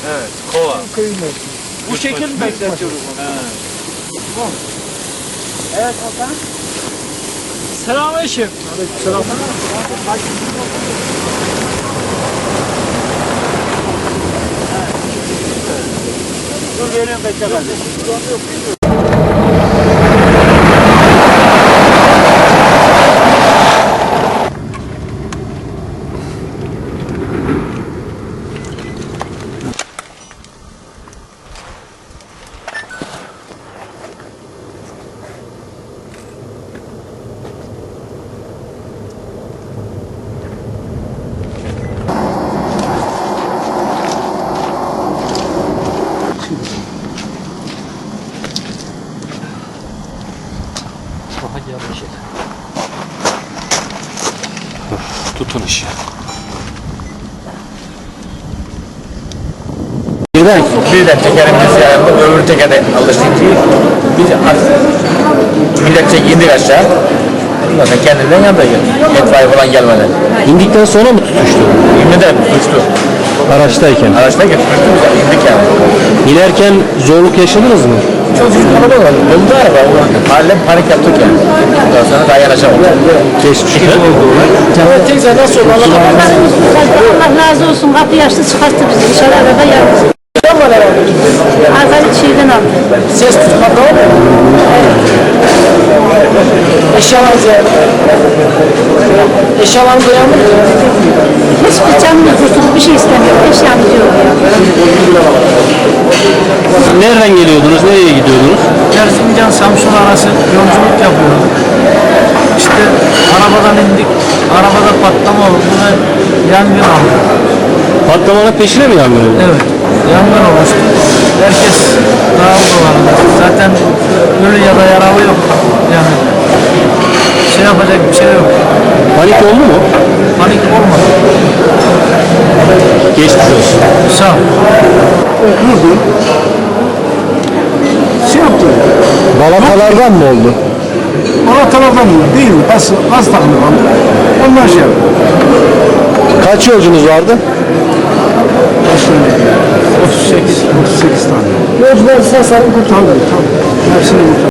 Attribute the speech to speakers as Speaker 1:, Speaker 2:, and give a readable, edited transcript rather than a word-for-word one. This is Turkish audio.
Speaker 1: Evet, kova.
Speaker 2: Bu şekil mi bekletiyoruz onu? Evet Hakan.
Speaker 1: Selamünaleyküm.
Speaker 2: Selam. Dur veriyorum bekle kardeşim.
Speaker 1: Hadi yavaş et. Tutun işi.
Speaker 3: Birden tekerimiz yanında öbür tekerde alıştık. Biz millet indik aşağı. Ondan sonra kendinden yanında itfaiye falan gelmeden.
Speaker 4: İndikten sonra mı tutuştu?
Speaker 3: Yemin ederim uçtu.
Speaker 4: Araçtayken.
Speaker 3: Araçtayken tutuştu bize, indik yani.
Speaker 4: İnerken zorluk yaşadınız mı?
Speaker 3: Çok çocuk kalabalık var. Yolda araba. Mahalle panik yaptık yani. Ondan sonra daha yanaşamadık.
Speaker 4: Geçmiş oldu.
Speaker 3: Evet, teyze nasıl oldu?
Speaker 5: Allah razı olsun. Kapıyı açtı çıkarttı bizi. Dışarı araba yaptı. Arkadaş şeyden aldı.
Speaker 3: Ses tutmak ne oldu? Eşyalarınızı uyandı mı?
Speaker 5: Hiçbir canlı kurtulup bir şey istemiyor. Eşyamız yok ya.
Speaker 4: Nereden geliyordunuz? Nereye gidiyordunuz?
Speaker 2: Erzincan Samsun arası yolculuk yapıyorduk. İşte arabadan indik. Arabada patlama oldu ve yangın aldı.
Speaker 4: Patlamanın peşine mi yangın oldu?
Speaker 2: Evet. Yangın olmuştu. Herkes dağıldı vardı. Zaten ölü ya da yaralı yok. Yani şey yapacak bir şey yok.
Speaker 4: Panik oldu mu?
Speaker 2: Panik olmadı.
Speaker 4: Geçmiş olsun.
Speaker 2: Sağ ol.
Speaker 6: Durdu. Şey yaptı.
Speaker 4: Balatalardan mı oldu?
Speaker 6: Anahtarlardan mı? Değil mi? Gaz takımı kaldı. Onlar şey yaptı.
Speaker 4: Kaç yolcunuz vardı?
Speaker 6: 38 tane. Yolcular sağ salim kurtardı. Hepsini kurtardı.